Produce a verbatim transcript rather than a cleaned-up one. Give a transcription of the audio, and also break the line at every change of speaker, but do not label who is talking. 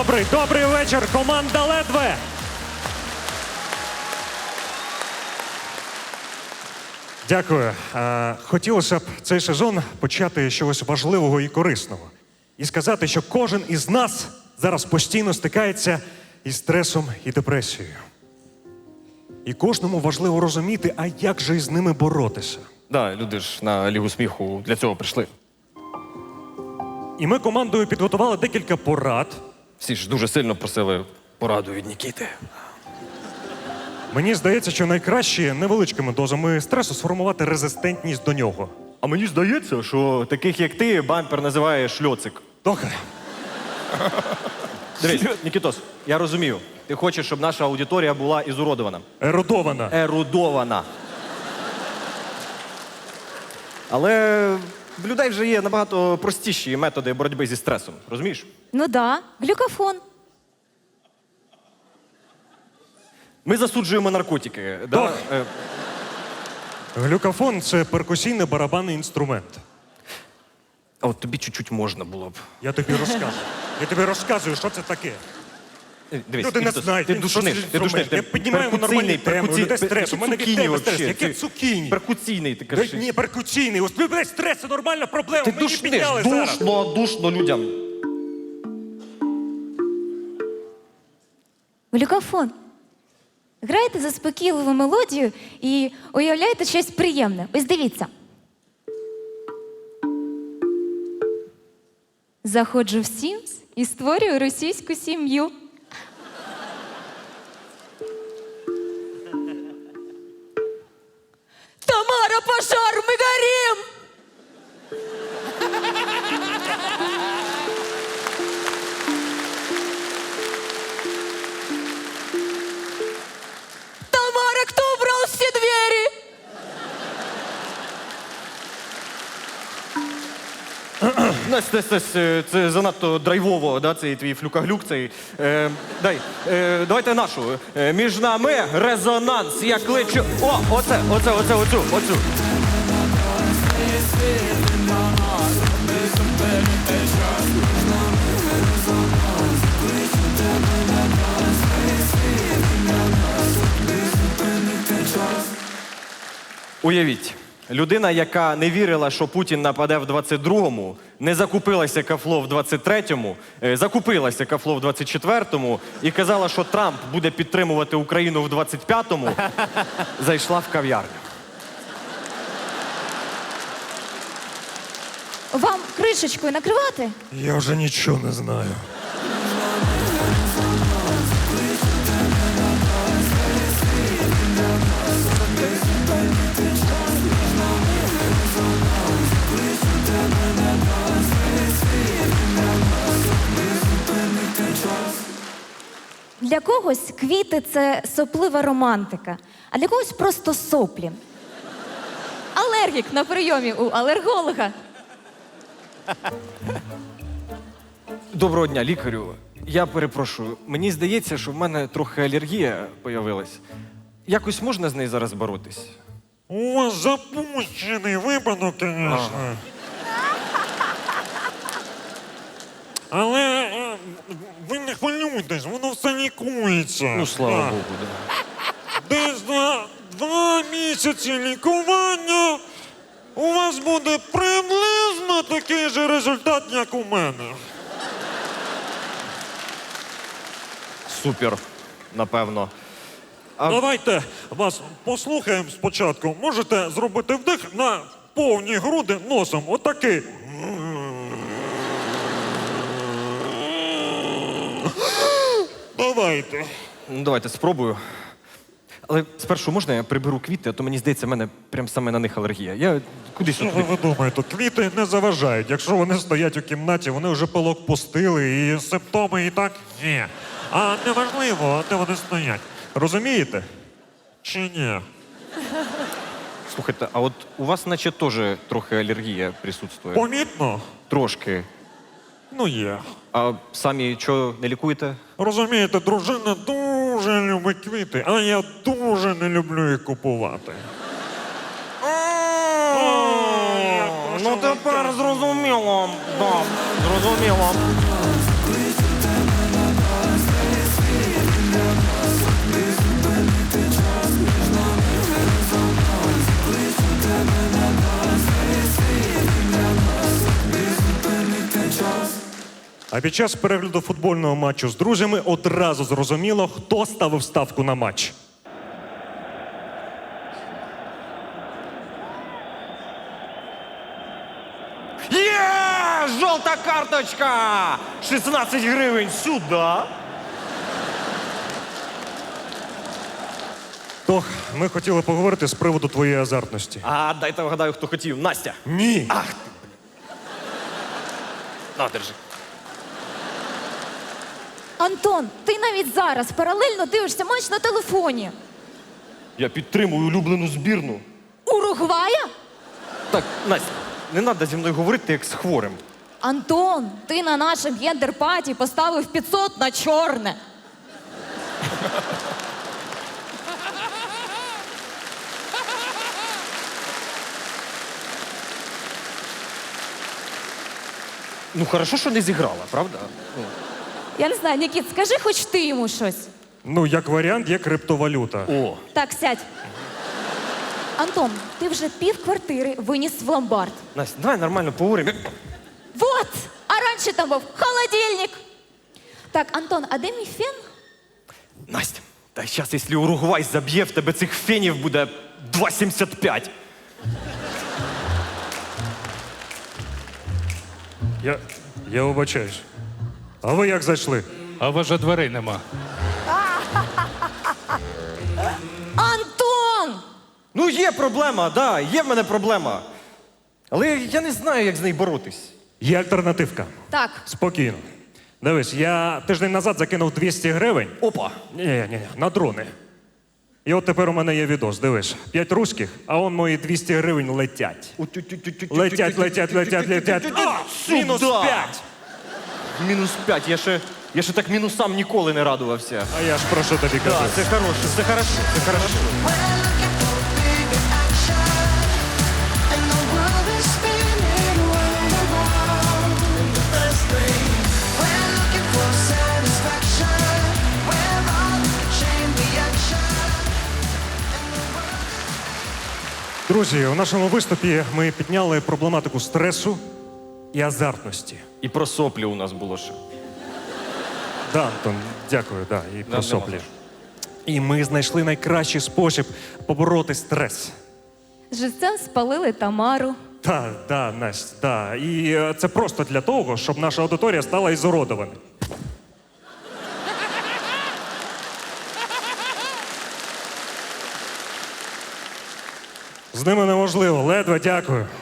Добрий, добрий вечір, команда «Ледве». Дякую. Е, Хотілося б цей сезон почати з чогось важливого і корисного. І сказати, що кожен із нас зараз постійно стикається із стресом і депресією. І кожному важливо розуміти, а як же із ними боротися.
Да, люди ж на Лігу сміху для цього прийшли.
І ми командою підготували декілька порад.
Всі ж дуже сильно просили пораду від Нікіти.
Мені здається, що найкраще невеличкими дозами стресу сформувати резистентність до нього.
А мені здається, що таких, як ти, бампер називає шльоцик.
Добре.
Дивись, Нікітос, я розумію. Ти хочеш, щоб наша аудиторія була ізуродована.
Ерудована.
Ерудована. Але в людей вже є набагато простіші методи боротьби зі стресом. Розумієш?
Ну да, глюкофон.
Ми засуджуємо наркотики. Да?
Ох.
Е,
Глюкофон – це перкусійний барабанний інструмент.
А от тобі чуть-чуть можна було б.
Я тобі розказую. Я тобі розказую, що це таке.
Е, Дивись,
Люди не
Нікітос,
знають,
ти
він
душниш,
що це
ти душниш.
інструмент. Я піднімаю нормальні теми, у людей стрес, у мене від тебе стрес. Яке цукіні?
Перкуційний, ти
Да,
кажеш.
ні, перкуційний. Ось блядь, стрес – це нормальна проблема.
Ти
Мені
душниш,
підняли зараз.
душно, душно людям.
Глюкофон. Граєте заспокійливу мелодію і уявляєте щось приємне. Ось дивіться. Заходжу в Сімс і створюю російську сім'ю. Тамара, пожар, ми горім! Тамара, кто убрал все двери?
Настя, Настя, Настя, це занадто драйвово, да, цей твій флюкаглюк, цей. Е, дай, е, давайте нашу. Е, між нами резонанс, я кличу. О, оце, оце, оце, оцю, оцю. Уявіть, людина, яка не вірила, що Путін нападе в двадцять другому, не закупилася кафло в двадцять третьому, е, закупилася кафло в двадцять четвертому і казала, що Трамп буде підтримувати Україну в двадцять п'ятому, зайшла в кав'ярню.
Вам кришечкою накривати?
Я вже нічого не знаю.
Для когось квіти – це соплива романтика, а для когось просто соплі. Алергік на прийомі у алерголога.
Доброго дня, лікарю. Я перепрошую, мені здається, що в мене трохи алергія появилась. Якось можна з нею зараз боротись?
У вас запущений випадок, звісно. Але е, ви не хвилюйтесь, воно все лікується.
Ну, слава
Так.
Богу, да.
Десь за два місяці лікування у вас буде приблизно такий же результат, як у мене.
Супер, напевно. А-
Давайте вас послухаємо спочатку. Можете зробити вдих на повні груди носом. Отакий. Давайте.
Ну, давайте спробую. Але спершу можна я приберу квіти, а то мені здається, в мене прям саме на них алергія. Я кудись
Що
от...
ви думаєте? Квіти не заважають. Якщо вони стоять у кімнаті, вони вже пилок пустили, і симптоми і так ні. А неважливо, де вони стоять. Розумієте? Чи ні?
Слухайте, а от у вас наче теж трохи алергія присутствує.
Помітно?
Трошки.
Ну є.
А самі що, не лікуєте?
Розумієте, дружина дуже любить квіти, а я дуже не люблю їх купувати.
Ну тепер зрозуміло. Да, зрозуміло.
А під час перегляду футбольного матчу з друзями одразу зрозуміло, хто ставив ставку на матч.
Є! Жовта карточка! шістнадцять гривень сюди.
Тох, ми хотіли поговорити з приводу твоєї азартності.
А дайте вгадаю, хто хотів. Настя.
Ні.
Ах ти, блін. На, держи.
Антон, ти навіть зараз паралельно дивишся матч на телефоні.
Я підтримую улюблену збірну.
Уругвая?
Так, Настя, не треба зі мною говорити, як з хворим.
Антон, ти на нашому гендер-паті поставив п'ятсот на чорне.
Ну, хорошо, що не зіграла, правда? Ну.
Я не знаю, Нікіт, скажи хоч ти йому щось.
Ну, як варіант, є криптовалюта.
О,
Так, сядь. Антон, ти вже пів квартири виніс в ломбард.
Настя, давай нормально поговоримо.
Вот! А раніше там був холодильник. Так, Антон, а де мій фен?
Настя, та зараз, якщо Уругвай заб'є, в тебе цих фенів буде два сімдесят п'ять.
Я, я вибачаюсь. А ви як зайшли?
А вже дверей нема.
Антон!
Ну, є проблема, да, є в мене проблема. Але я не знаю, як з нею боротись.
Є альтернативка.
Так,
Спокійно. Дивись, я тиждень назад закинув двісті гривень.
Опа.
Ні, ні, ні, на дрони. І от тепер у мене є відос. Дивись, п'ять руських, а он мої двісті гривень летять. Летять, летять, летять, летять. А, мінус
Сюда.
п'ять.
Мінус п'ять. Я ще, я ще так мінусам ніколи не радувався.
А я ж про що тобі кажу?
Так, це хороше, це хорошо, це хорошо.
And the world is spinning round and round. We're looking for satisfaction. We're on chain reaction.
Друзі, у нашому виступі ми підняли проблематику стресу і азартності.
І про соплі у нас було ще.
Да, Антон, дякую, да, і про
нема
соплі.
за що.
І ми знайшли найкращий спосіб побороти стрес.
живцем спалили Тамару.
Так, да, Настя, да. І е, це просто для того, щоб наша аудиторія стала ізуродованою. З ними неможливо, ледве дякую.